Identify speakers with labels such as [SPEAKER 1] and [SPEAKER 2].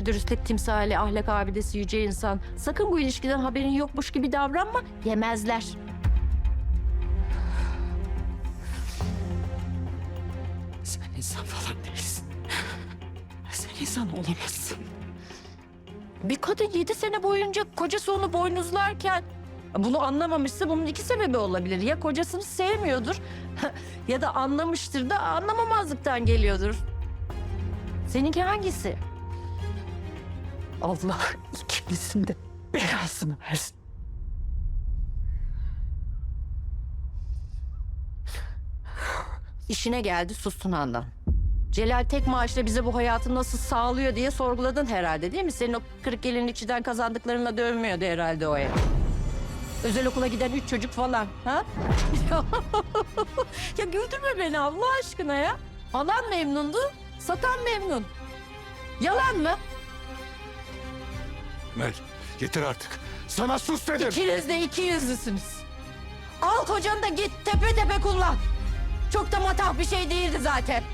[SPEAKER 1] dürüstlük timsali, ahlak abidesi yüce insan. Sakın bu ilişkiden haberin yokmuş gibi davranma. Yemezler.
[SPEAKER 2] Sen insan falan değilsin. Sen insan olamazsın.
[SPEAKER 1] Bir kadın 7 sene boyunca kocası onu boynuzlarken bunu anlamamışsa bunun iki sebebi olabilir. Ya kocasını sevmiyordur ya da anlamıştır da anlamamazlıktan geliyordur. Seninki hangisi?
[SPEAKER 2] Allah ikinizin de belasını versin.
[SPEAKER 1] İşine geldi sustun Handan. Celal tek maaşla bize bu hayatı nasıl sağlıyor diye sorguladın herhalde değil mi? Senin o kırık gelinlikçiden kazandıklarınla dönmüyordu herhalde o ev. Özel okula giden 3 çocuk falan. Ha? Ya güldürme beni Allah aşkına ya. Alan memnundu, satan memnun. Yalan mı?
[SPEAKER 3] Mel, yeter artık. Sana sus dedim.
[SPEAKER 1] İkiniz de iki yüzlüsünüz. Al kocanı da git tepe tepe kullan. Çok da matah bir şey değildi zaten.